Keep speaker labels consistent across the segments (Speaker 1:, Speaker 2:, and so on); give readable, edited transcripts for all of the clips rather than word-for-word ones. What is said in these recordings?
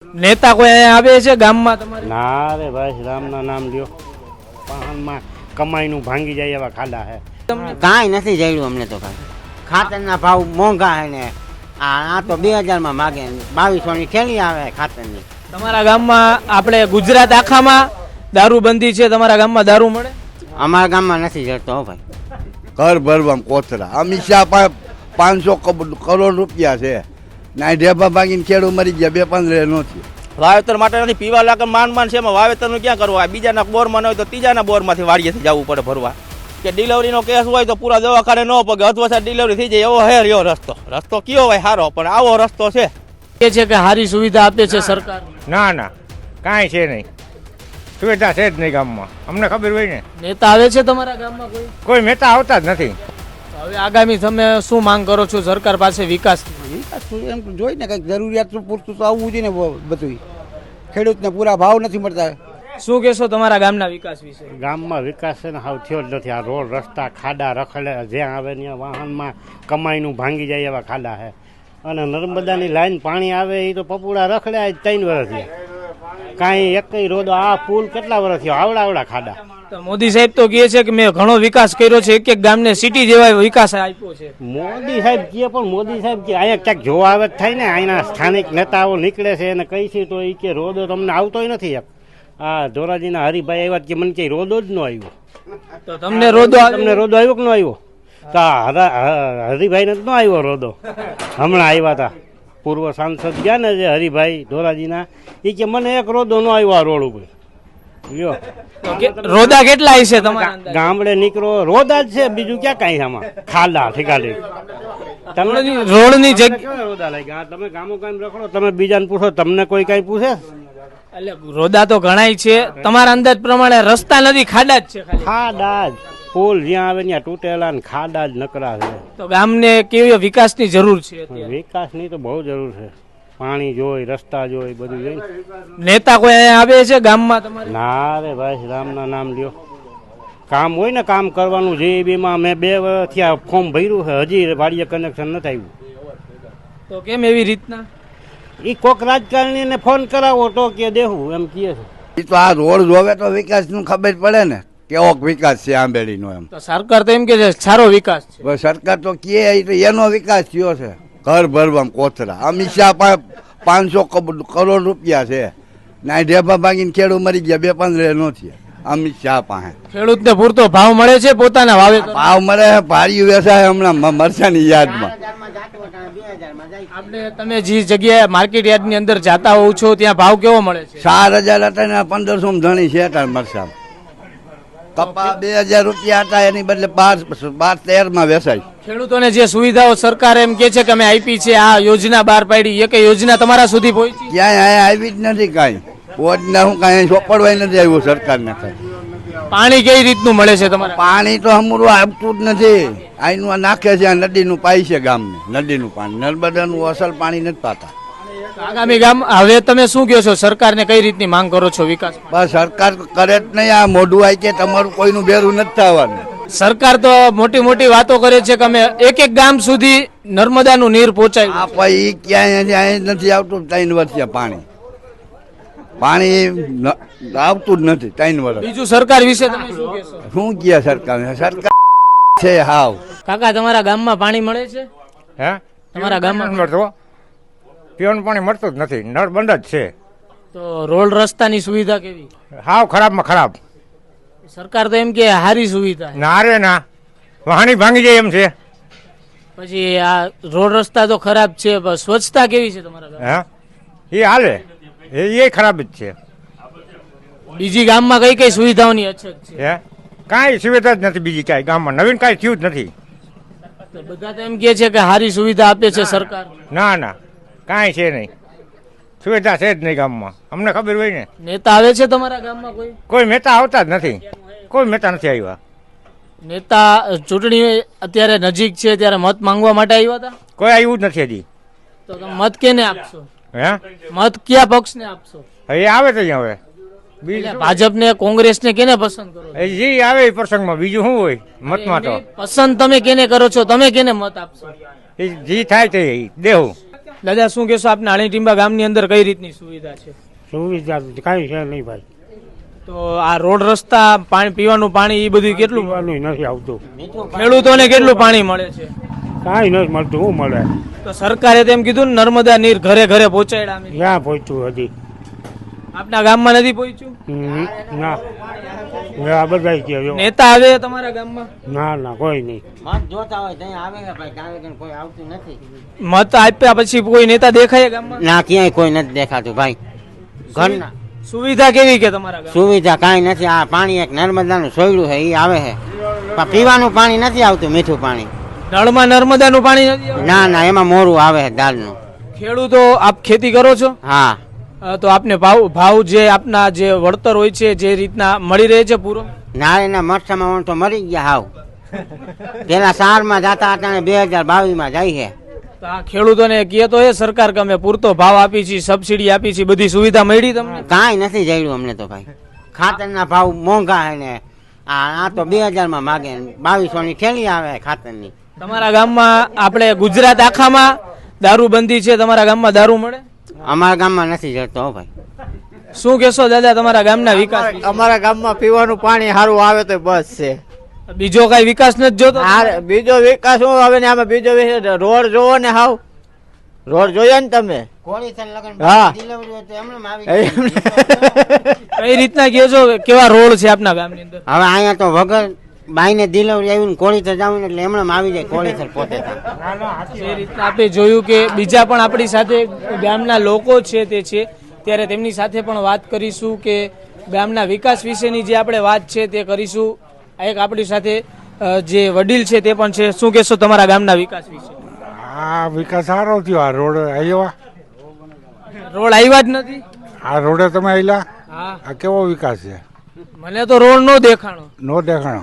Speaker 1: નેતા કોઈ અહીંયા આવે છે ગામમાં તમારે?
Speaker 2: ના રે ભાઈ, રામના નામ લ્યો. વાહનમાં કમાઈનું ભાંગી જાય એવા ખાડા હે.
Speaker 3: કાંઈ નથી જડ્યું અમને તો કાંઈ. ખાતરના ભાવ મોંઘા હે ને આ તો 2000 માગે, 2200ની થેલી આવે ખાતરની.
Speaker 1: તમારા ગામમાં આપણે ગુજરાત આખામાં દારૂબંધી છે, તમારા ગામમાં દારૂ મળે?
Speaker 3: અમારા ગામમાં નથી જડતો હો ભાઈ.
Speaker 4: ઘર ભરવામાં કોથરા. અમિત શાહ પાસે 500 કરોડ રૂપિયા છે. ના ઢેબા ભાગીને ખેડૂત મરી ગયા, 2-5 રહે નથી.
Speaker 5: વાવેતર માટે નથી, પીવા લાગે માંડ છે. એમાં વાવેતરનું ક્યાં કરવું? બીજાના બોરમાં ન હોય તો ત્રીજાના બોરમાંથી વાડીએથી જવું પડે ભરવા. કે ડિલિવરીનો કેસ હોય તો પૂરા દવાખાને ન પગે, અથવા ડિલિવરી થઈ જાય એવો હે રહ્યો રસ્તો કયો હોય સારો, પણ આવો રસ્તો છે.
Speaker 1: એ છે કે સારી સુવિધા આપે છે સરકાર?
Speaker 6: ના ના, કાંઈ છે નહીં, સુવિધા છે જ નહીં ગામમાં. અમને ખબર હોય ને.
Speaker 1: નેતા આવે છે તમારા ગામમાં કોઈ?
Speaker 6: કોઈ મહેતા આવતા જ નથી.
Speaker 1: હવે આગામી તમે શું માંગ કરો છો સરકાર પાસે વિકાસ?
Speaker 7: એમ જોઈ ને કંઈક જરૂરિયાત પૂરતું તો આવવું જોઈએ ને બધું. ખેડૂતને પૂરા ભાવ નથી મળતા.
Speaker 1: શું કહેશો તમારા ગામના વિકાસ વિશે?
Speaker 2: ગામમાં વિકાસ છે ને હાવ થયો જ નથી. આ રોડ રસ્તા ખાડા રખડે, જ્યાં આવે ત્યાં વાહનમાં કમાઈનું ભાંગી જાય એવા ખાડા છે. અને નર્મદાની લાઈન પાણી આવે એ તો પપુડા રખડે આજ 3 વર્ષ થયા. કાંઈ એકઈ રોડો, આ પુલ કેટલા વર્ષ થયો, આવડા ખાડા.
Speaker 1: તો મોદી સાહેબ તો કહે છે કે મેં ઘણો વિકાસ કર્યો છે, એક ગામને સિટી જેવા વિકાસ આપ્યો છે.
Speaker 2: મોદી સાહેબ કહે, પણ મોદી સાહેબ કે અહીંયા ક્યાંક જોવા આવે થાય ને, અહીંના સ્થાનિક નેતાઓ નીકળે છે અને કહી છે તો એ કે રોડો તમને આવતોય નથી. એક આ ધોરાજીના હરિભાઈ આવ્યા કે મને કે રોડો જ ન આવ્યો.
Speaker 1: તો તમને રોડો
Speaker 2: આવ્યો કે ન આવ્યો? તો હરિભાઈને જ ન આવ્યો રોડો. હમણાં આવ્યા હતા પૂર્વ સાંસદ ગયા ને જે હરિભાઈ ધોરાજીના, એ કે મને એક રોડો ન આવ્યો આ રોડ ઉપર. લ્યો,
Speaker 1: રોડા કેટલા છે તમારા
Speaker 2: ગામડે નીકળો રોડા જ છે, બીજું ક્યાં કાંઈ આમાં ખાડા ઠીકાડી. તમને
Speaker 1: રોડની જગ્યા
Speaker 2: રોડા લાગ્યા. તમે ગામો ગામ રખડો, તમે બીજાને પૂછો, તમને કોઈ કઈ પૂછે?
Speaker 1: એટલે રોડા તો ઘણાય છે. તમારા અંદાજ પ્રમાણે રસ્તા નથી, ખાડા જ છે ખાલી?
Speaker 2: ખાડા જ, પુલ જ્યાં આવે ત્યાં તૂટેલા ને ખાડા જ નકરા છે.
Speaker 1: તો ગામને કેવી વિકાસની જરૂર છે અત્યારે?
Speaker 2: વિકાસની તો બહુ જરૂર છે. પાણી જોઈ, રસ્તા જોઈ, બધું જોઈ.
Speaker 1: નેતા કોઈ અહીંયા આવે છે ગામમાં તમારે?
Speaker 2: ના રે ભાઈ, રામના નામ લ્યો. કામ હોય ને કામ કરવાનું. જીબીમાં મેં 2 વર્ષથી આ ફોર્મ ભર્યું છે, હજી વાડીએ કનેક્શન નથી આવ્યું.
Speaker 1: તો કેમ એવી રીતના?
Speaker 2: એ કોક રાજકારણીને ફોન કરાવો તો કે દેવું એમ કહે છે.
Speaker 4: એ તો આ રોડ જોવે તો વિકાસનું ખબર પડે ને, કેવો વિકાસ છે આંબેડીનો. એમ
Speaker 1: તો સરકાર તો એમ કે છે સારો વિકાસ છે.
Speaker 4: બસ સરકાર તો કહે તો એનો વિકાસ થયો છે. ઘર ભરવામાં કોથરા. અમિત શાહ પાસે 500 કરોડ રૂપિયા છે. ના ઢેબા ભાગીને ખેડૂત મરી ગયા, 2-5 રહે નથી. અમિત શાહ પાસે
Speaker 1: ખેડૂતને પૂરતો ભાવ મળે છે પોતાના વાવેતર?
Speaker 4: ભાવ મળે, ભારી વેચાય હમણાં મરચાની યાદમાં.
Speaker 1: આપણે તમે જે જગ્યાએ માર્કેટ યાર્ડની અંદર જાતા હોવ છો ત્યાં ભાવ કેવો મળે છે?
Speaker 4: 4000 હતા ને 1500 ધણી છે તાર મરચા. કપા 2000 રૂપિયા હતા, એની બદલે 12-13 વેચાય.
Speaker 1: ખેડૂતોને જે સુવિધાઓ સરકાર એમ કે છે કે અમે આપી છે, આ યોજના બહાર પાડી, એક યોજના તમારા સુધી પહોંચી?
Speaker 4: ક્યાંય અહીંયા આવી જ નથી કાંઈ. પોતના હું કાંઈ ચોપડવાય નથી આવ્યું સરકારને કાંઈ.
Speaker 1: પાણી કઈ રીતનું મળે છે તમારે?
Speaker 4: પાણી તો હમણાં આવતું જ નથી. આનું આ નાખે છે, આ નદીનું પાઈ છે ગામને, નદીનું પાણી. નર્મદાનું અસલ પાણી નથી પાતા.
Speaker 1: આગામી ગામ હવે તમે શું કહો છો, સરકારને કઈ રીતની માંગ કરો છો વિકાસ?
Speaker 4: બસ સરકાર કરે જ નહીં. આ મોઢું આવી કે તમારું કોઈનું બેરું નથી થવાનું.
Speaker 1: સરકાર તો મોટી મોટી વાતો કરે છે કે અમે એક ગામ સુધી નર્મદાનું નીર પહોંચાય.
Speaker 4: આ પછી ક્યાંય નથી આવતું. 3 વર્ષે પાણી આવતું જ નથી 3 વર્ષ.
Speaker 1: બીજું સરકાર વિશે તમે શું કહેશો?
Speaker 4: શું કહે સરકાર? સરકાર છે હાવ.
Speaker 1: કાકા તમારા ગામમાં પાણી મળે છે?
Speaker 6: હે,
Speaker 1: તમારા ગામમાં
Speaker 6: મળતો પીવાનું પાણી મળતું જ નથી, નળ બંધ જ છે.
Speaker 1: તો રોડ રસ્તાની સુવિધા કેવી?
Speaker 6: હાવ ખરાબમાં ખરાબ.
Speaker 1: સરકાર તો એમ કે સારી સુવિધા.
Speaker 6: ના રે ના, વાહણી ભાંગી જાય એમ છે.
Speaker 1: પછી આ રોડ રસ્તા તો ખરાબ છે, પણ સ્વચ્છતા કેવી છે તમારા ગામમાં?
Speaker 6: હે, એ હાલે, એ ખરાબ જ છે.
Speaker 1: બીજી ગામમાં કઈ કઈ સુવિધાઓની અછત છે?
Speaker 6: હે, કાંઈ સુવિધા જ નથી બીજી કાંઈ ગામમાં. નવીન કાંઈ થયું જ નથી.
Speaker 1: તો બધા તો એમ કે છે કે સારી સુવિધા આપે છે સરકાર.
Speaker 6: ના ના, કાંઈ છે નહીં, સુવિધા છે જ નહીં ગામમાં. અમને ખબર હોય ને.
Speaker 1: નેતા આવે છે તમારા ગામમાં કોઈ?
Speaker 6: કોઈ મહેતા આવતા જ નથી, કોઈ મહેતા નથી આવ્યા.
Speaker 1: નેતા ચૂંટણી અત્યારે નજીક છે ત્યારે મત માંગવા માટે આવ્યા હતા?
Speaker 6: કોઈ આવ્યું જ નથી હજી.
Speaker 1: તો તમે મત કેને આપશો?
Speaker 6: હે,
Speaker 1: મત કયા પક્ષને આપશો?
Speaker 6: એ આવે તો અહીંયા હવે
Speaker 1: ભાજપને કોંગ્રેસને કેને પસંદ કરો?
Speaker 6: જે આવે એ પ્રસંગમાં, બીજું શું હોય મતમાં? તો
Speaker 1: પસંદ તમે કેને કરો છો? તમે કેને મત આપશો?
Speaker 6: એ જે થાય તે દેવું.
Speaker 1: દાદા શું કહેશો આપના અણીટીંબા ગામની અંદર કઈ રીતની સુવિધા છે?
Speaker 2: સુવિધા કાંઈ છે નહીં ભાઈ,
Speaker 1: તો આ રોડ રસ્તા પાણી પીવાનું પાણી એ બધું કેટલું
Speaker 2: પીવાનું નથી આવતું,
Speaker 1: ખેડૂતોને કેટલું પાણી મળે છે?
Speaker 2: કાંઈ નથી મળતું. શું મળે?
Speaker 1: તો સરકારે તેમ કીધું ને નર્મદા નીર ઘરે ઘરે પહોંચાડ્યા અમે.
Speaker 2: ક્યાં પહોંચ્યું હજી?
Speaker 1: આપના ગામમાં નથી પહોંચ્યું?
Speaker 2: ના, આ બધા કે
Speaker 1: નેતા આવે તમારા ગામમાં?
Speaker 2: ના ના કોઈ નહીં.
Speaker 3: મત જોતા હોય ત્યાં આવે છે ભાઈ, ત્યાં આગળ કોઈ આવતું નથી.
Speaker 1: મત આપ્યા પછી કોઈ નેતા દેખાય ગામમાં?
Speaker 3: ના, ક્યાંય કોઈ નથી દેખાતું ભાઈ. ઘરના
Speaker 1: સુવિધા કેવી કે તમારા ગામ?
Speaker 3: સુવિધા કાંઈ નથી. આ પાણી એક નર્મદાનું સોયડું છે એ આવે છે, પણ પીવાનું પાણી નથી આવતું, મીઠું પાણી.
Speaker 1: નળમાં નર્મદાનું પાણી નથી આવતું?
Speaker 3: ના ના, એમાં મોરું આવે છે દાળનું.
Speaker 1: ખેડૂતો આપ ખેતી કરો છો?
Speaker 3: હા,
Speaker 1: તો આપને ભાવ જે આપના જે વળતર હોય છે જે રીતના મળી રહે છે પૂરો?
Speaker 3: નાળીના મરચામાં તો મરી ગયા હાવ. પેલા સારમાં જતા હતા, 2022 જાય છે.
Speaker 1: તો આ ખેડૂતોને કહે તો એ સરકાર કે અમે પૂરતો ભાવ આપી છે, સબસિડી આપી છે, બધી સુવિધા મળી તમને?
Speaker 3: કાંઈ નથી જડ્યું અમને તો ભાઈ. ખાતરના ભાવ મોંઘા છે ને આ તો 2000 માગે, 2200 થેલી આવે ખાતરની.
Speaker 1: તમારા ગામમાં આપણે ગુજરાત આખામાં દારૂબંધી છે, તમારા ગામમાં દારૂ મળે?
Speaker 3: અમારા ગામમાં નથી જડતો હો ભાઈ.
Speaker 1: શું કહેશો દાદા તમારા ગામના વિકાસ વિશે?
Speaker 8: અમારા ગામમાં પીવાનું પાણી સારું આવે તો બસ છે,
Speaker 1: બીજો કઈ વિકાસ નથી જોતો?
Speaker 8: બીજો વિકાસ શું આવે ને આમાં બીજો રોડ જોવો ને, હાવ રોડ જોયો ને તમે? હા.
Speaker 1: કઈ રીતના કહો છો, કેવા રોડ છે આપના ગામની અંદર?
Speaker 3: હવે અહીંયા તો વગર બાઈને ડિલિવરી આવી ને કોળીસર જાવ એટલે એમણે આવી જાય કોળીસર પોતે.
Speaker 1: જે રીતના આપણે જોયું કે બીજા પણ આપણી સાથે ગામના લોકો છે તે છે, ત્યારે તેમની સાથે પણ વાત કરીશું કે ગામના વિકાસ વિશેની જે આપણે વાત છે તે કરીશું. એક આપણી સાથે જે વડીલ છે તે પણ છે. શું કહેશો તમારા ગામના વિકાસ વિશે?
Speaker 6: આ વિકાસ સારો થયો. આ રોડ આવ્યા,
Speaker 1: રોડ આવ્યા જ નથી.
Speaker 6: આ રોડે તમે આવેલા,
Speaker 1: હા,
Speaker 6: આ કેવો વિકાસ છે?
Speaker 1: મને તો રોડ નો દેખાણો.
Speaker 6: નો દેખાણો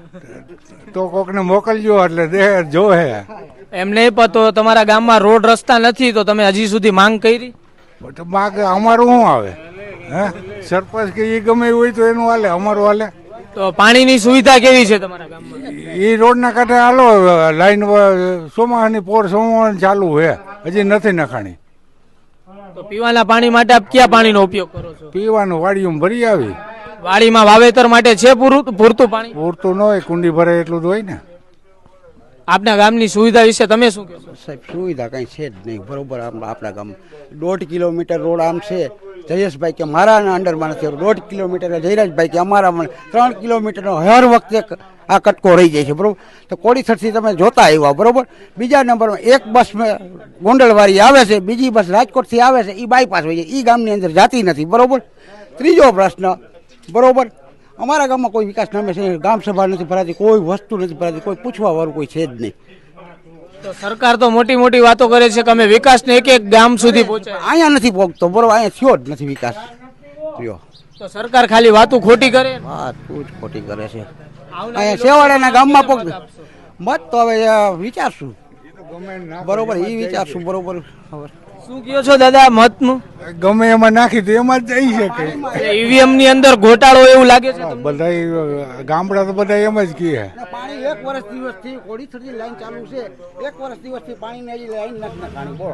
Speaker 6: તો કોકને મોકલજો એટલે જોહે.
Speaker 1: એમ નહીં પતો તમારા ગામમાં રોડ રસ્તા નથી તો તમે હજી સુધી માંગ કરી?
Speaker 6: માગ અમારું શું આવે? હે, સરપંચ કે એ ગમે એવું હોય તો એનું હાલે, અમારું હાલે.
Speaker 1: તો પાણીની સુવિધા કેવી છે તમારા ગામમાં?
Speaker 6: એ રોડના કાંઠે હાલો, લાઈન સોમાની પોર સોમાવાની ચાલુ હે, હજી નથી નખાણી.
Speaker 1: તો પીવાના પાણી માટે આપ કયા પાણીનો ઉપયોગ કરો છો?
Speaker 6: પીવાનું વાડીયું ભરી આવી.
Speaker 1: વાડીમાં વાવેતર માટે છે પૂરતું પાણી?
Speaker 6: પૂરતું ન હોય, કુંડી ભરે એટલું જ હોય ને.
Speaker 1: આપના ગામની સુવિધા વિશે તમે શું કહેશો?
Speaker 7: સાહેબ સુવિધા કંઈ છે જ નહીં બરોબર. આપણા ગામ 1.5 કિલોમીટર રોડ આમ છે. જયેશભાઈ કે મારા અંડરમાં નથી, 1.5 કિલોમીટર જયરાજભાઈ કે અમારા 3 કિલોમીટરનો હર વખતે આ કટકો રહી જાય છે બરોબર. તો કોડીસરથી તમે જોતા આવ્યા બરોબર. બીજા નંબરમાં એક બસ ગોંડલવાળી આવે છે, બીજી બસ રાજકોટથી આવે છે, એ બાયપાસ હોય છે, એ ગામની અંદર જાતી નથી બરોબર. ત્રીજો પ્રશ્ન બરોબર, અમારા ગામમાં કોઈ વિકાસ નામે છે, ગામ સભા નથી ભરાતી, કોઈ વસ્તુ નથી ભરાતી, કોઈ પૂછવા વાળું કોઈ છે જ નહીં.
Speaker 1: તો સરકાર તો મોટી મોટી વાતો કરે છે કે અમે વિકાસને એક એક ગામ સુધી પહોંચાય,
Speaker 7: અહીંયા નથી પહોંચતો બરોબર. અહીંયા થયો જ નથી વિકાસ થયો.
Speaker 1: તો સરકાર ખાલી વાતો ખોટી કરે?
Speaker 7: વાત તું જ ખોટી કરે છે. અહીંયા છેવાડાના ગામમાં પગ મત તો હવે વિચારશું બરોબર, એ વિચારશું બરોબર.
Speaker 1: શું કહો છો દાદા મતનું?
Speaker 6: ગમે એમાં નાખી તો એમાં જ જઈ શકે.
Speaker 1: ઈવીએમ ની અંદર ઘોટાળો એવું લાગે છે?
Speaker 6: બધા ગામડા તો બધા એમ જ કહે.
Speaker 7: પાણી 1 વર્ષ દિવસથી કોડીસરથી લાઈન ચાલુ છે, 1 વર્ષ દિવસથી પાણીની હજી લાઈન નથી નખાણી બોલો.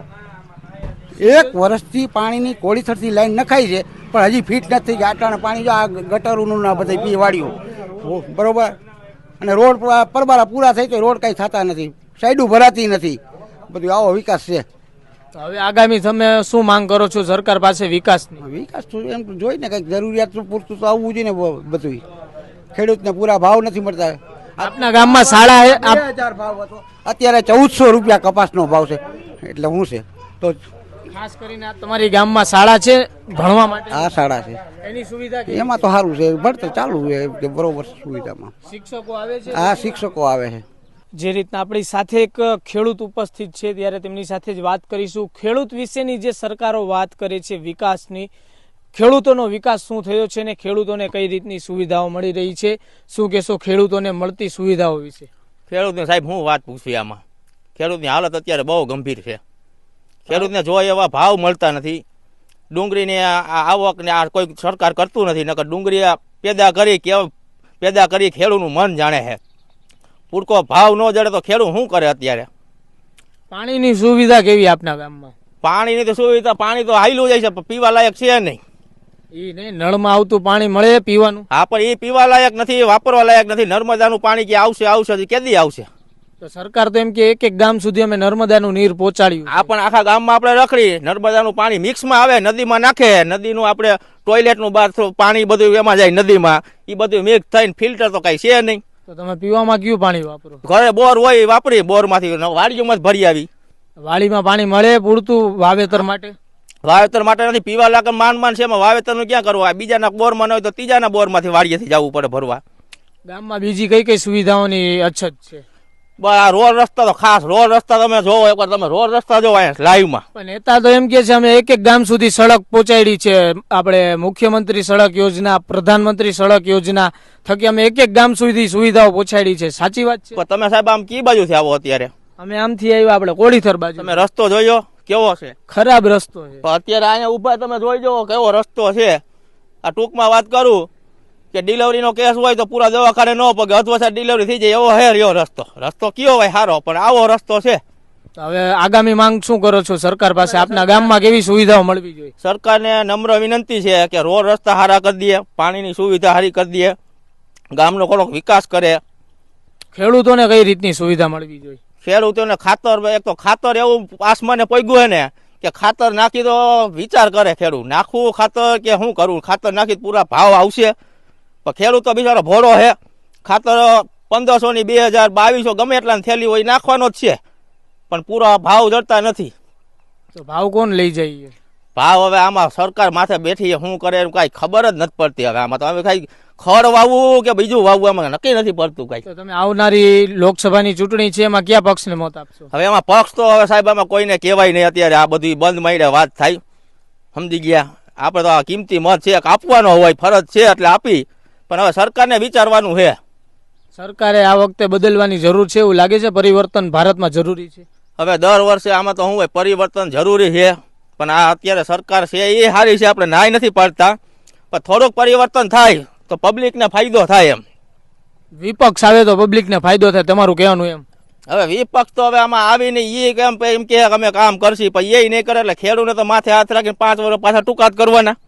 Speaker 7: 1 વર્ષથી પાણીની કોડીસરથી લાઈન નખાઈ છે પણ હજી ફીટ નથી થઈ. આટાના પાણી જો આ ગટરોનું ના બધા પીવાડીઓ બરોબર. અને રોડ પરબારા પૂરા થઈ તો રોડ કઈ થતા નથી, સાઈડું ભરાતી નથી, બધું આવો વિકાસ છે.
Speaker 1: હવે આગામી તમે શું માંગ કરો છો સરકાર પાસે વિકાસની?
Speaker 7: વિકાસ તો એમ જોઈ ને કંઈક જરૂરિયાત પૂરતું તો આવવું જોઈએ ને બધું. ખેડૂતને પૂરા ભાવ નથી મળતા.
Speaker 1: આપના ગામમાં શાળા
Speaker 7: 2000 ભાવ હતો, અત્યારે 1400 રૂપિયા કપાસનો ભાવ છે. એટલે શું છે તો
Speaker 1: ખાસ કરીને આ તમારી ગામમાં શાળા છે ભણવા માટે?
Speaker 7: આ શાળા છે,
Speaker 1: એની સુવિધા
Speaker 7: એમાં તો સારું છે, ભણતર ચાલુ છે બરોબર. સુવિધામાં
Speaker 1: શિક્ષકો આવે છે?
Speaker 7: આ શિક્ષકો આવે છે.
Speaker 1: જે રીતના આપણી સાથે એક ખેડૂત ઉપસ્થિત છે ત્યારે તેમની સાથે જ વાત કરીશું. ખેડૂત વિશેની જે સરકારો વાત કરે છે વિકાસની, ખેડૂતોનો વિકાસ શું થયો છે ને ખેડૂતોને કઈ રીતની સુવિધાઓ મળી રહી છે, શું કહેશો ખેડૂતોને મળતી સુવિધાઓ વિશે?
Speaker 5: ખેડૂતને સાહેબ હું વાત પૂછવી આમાં? ખેડૂતની હાલત અત્યારે બહુ ગંભીર છે. ખેડૂતને જોઈ એવા ભાવ મળતા નથી. ડુંગળીની આવકને આ કોઈ સરકાર કરતું નથી. નકર ડુંગળી પેદા કરી ખેડૂતનું મન જાણે છે. પૂરકો ભાવ ન જડે તો ખેડૂત શું કરે અત્યારે?
Speaker 1: પાણીની સુવિધા કેવી આપના ગામમાં?
Speaker 5: પાણીની તો સુવિધા, પાણી તો હાઈલું જાય છે પણ પીવા લાયક છે નહીં.
Speaker 1: ઈ નહીં, નળમાં આવતું પાણી મળે પીવાનું?
Speaker 5: હા, પણ એ પીવા લાયક નથી, વાપરવા લાયક નથી. નર્મદાનું પાણી કે આવશે કેદી આવશે?
Speaker 1: તો સરકાર તો એમ કે એક ગામ સુધી અમે નર્મદાનું નીર પહોંચાડ્યું.
Speaker 5: આ પણ આખા ગામમાં આપણે રખડી નર્મદાનું પાણી મિક્સમાં આવે, નદીમાં નાખે, નદીનું આપણે ટોયલેટનું બાથરૂમ પાણી બધું એમાં જાય નદીમાં, એ બધું મિક્સ થઈને ફિલ્ટર તો કઈ છે નહીં.
Speaker 1: તો તમે પીવામાં કયું પાણી વાપરો?
Speaker 5: ઘરે બોર હોય એ વાપરી, બોરમાંથી વાડીઓમાં જ ભરી આવી.
Speaker 1: વાડીમાં પાણી મળે પૂરતું વાવેતર માટે?
Speaker 5: વાવેતર માટે નથી, પીવા લાયક માંડ છે, એમાં વાવેતરનું ક્યાં કરવું? આ બીજાના બોરમાં ન હોય તો ત્રીજાના બોરમાંથી વાડીએથી જવું પડે ભરવા.
Speaker 1: ગામમાં બીજી કઈ કઈ સુવિધાઓની અછત છે?
Speaker 5: આ રોડ રસ્તા તો ખાસ, રોડ રસ્તા તમે જોવો એકવાર, તમે રોડ રસ્તા જોવો અહીંયા લાઈવમાં.
Speaker 1: પણ નેતા તો એમ કે છે અમે એક ગામ સુધી સડક પહોંચાડી છે, આપણે મુખ્યમંત્રી સડક યોજના, પ્રધાનમંત્રી સડક યોજના થકી અમે એક ગામ સુધી સુવિધાઓ પહોંચાડી છે. સાચી વાત છે?
Speaker 5: પણ તમે સાહેબ આમ કી બાજુથી આવો અત્યારે?
Speaker 1: અમે આમથી આવ્યા, આપણે કોળીથર બાજુ.
Speaker 5: તમે રસ્તો જોયો કેવો છે?
Speaker 1: ખરાબ રસ્તો છે.
Speaker 5: પણ અત્યારે અહીંયા ઉભા તમે જોઈ જવો કેવો રસ્તો છે. આ ટૂંકમાં વાત કરું કે ડિલિવરીનો કેસ હોય તો પૂરા દવાખાને ન પગે, અધવસર ડિલિવરી થઈ જાય એવો હે રહ્યો રસ્તો કયો હોય સારો, પણ આવો રસ્તો છે.
Speaker 1: તો હવે આગામી માંગ શું કરો છો સરકાર પાસે? આપના ગામમાં કેવી સુવિધાઓ મળવી જોઈએ?
Speaker 5: સરકારને નમ્ર વિનંતી છે કે રોડ રસ્તા સારા કરી દે, પાણીની સુવિધા સારી કરી દે, ગામનો થોડોક વિકાસ કરે.
Speaker 1: ખેડૂતોને કઈ રીતની સુવિધા મળવી જોઈએ?
Speaker 5: ખેડૂતોને ખાતર, એક તો ખાતર એવું આસમાને પગ્યું હે ને કે ખાતર નાખી તો વિચાર કરે ખેડૂત, નાખવું ખાતર કે શું કરવું? ખાતર નાખી પૂરા ભાવ આવશે? પણ ખેડૂત તો બિચારો ભોળો હે, ખાતર 1500 ની 2000 2200 ગમે એટલા થેલી હોય નાખવાનો જ છે, પણ પૂરા ભાવ જડતા નથી.
Speaker 1: તો ભાવ કોણ લઈ જાય?
Speaker 5: ભાવ હવે આમાં સરકાર માથે બેઠી શું કરે એમ કાંઈ ખબર જ નથી પડતી. હવે આમાં તો હવે કાંઈ ખડ વાવવું કે બીજું વાવવું એમાં નક્કી નથી પડતું કાંઈ.
Speaker 1: તો તમે આવનારી લોકસભાની ચૂંટણી છે એમાં કયા પક્ષને મત આપશો?
Speaker 5: હવે એમાં પક્ષ તો હવે સાહેબ આમાં કોઈને કહેવાય નહીં અત્યારે, આ બધી બંધ માંડે વાત થાય, સમજી ગયા? આપણે તો આ કિંમતી મત છે, આપવાનો હોય ફરજ છે એટલે આપી, પણ હવે સરકારને વિચારવાનું છે.
Speaker 1: સરકારે આ વખતે બદલવાની જરૂર છે એવું લાગે છે? પરિવર્તન ભારતમાં જરૂરી છે?
Speaker 5: હવે દર વર્ષે આમાં તો શું હોય, પરિવર્તન જરૂરી છે, પણ આ અત્યારે સરકાર છે એ સારી છે, આપણે નાય નથી પાડતા, પણ થોડુંક પરિવર્તન થાય તો પબ્લિકને ફાયદો થાય એમ.
Speaker 1: વિપક્ષ આવે તો પબ્લિકને ફાયદો થાય, તમારું કહેવાનું એમ?
Speaker 5: હવે વિપક્ષ તો હવે આમાં આવીને એમ કે અમે કામ કરશી, પણ એ નહીં કરે એટલે ખેડૂતને તો માથે હાથ રાખીને 5 વર્ષ પાછા ટૂંકા જ કરવાના.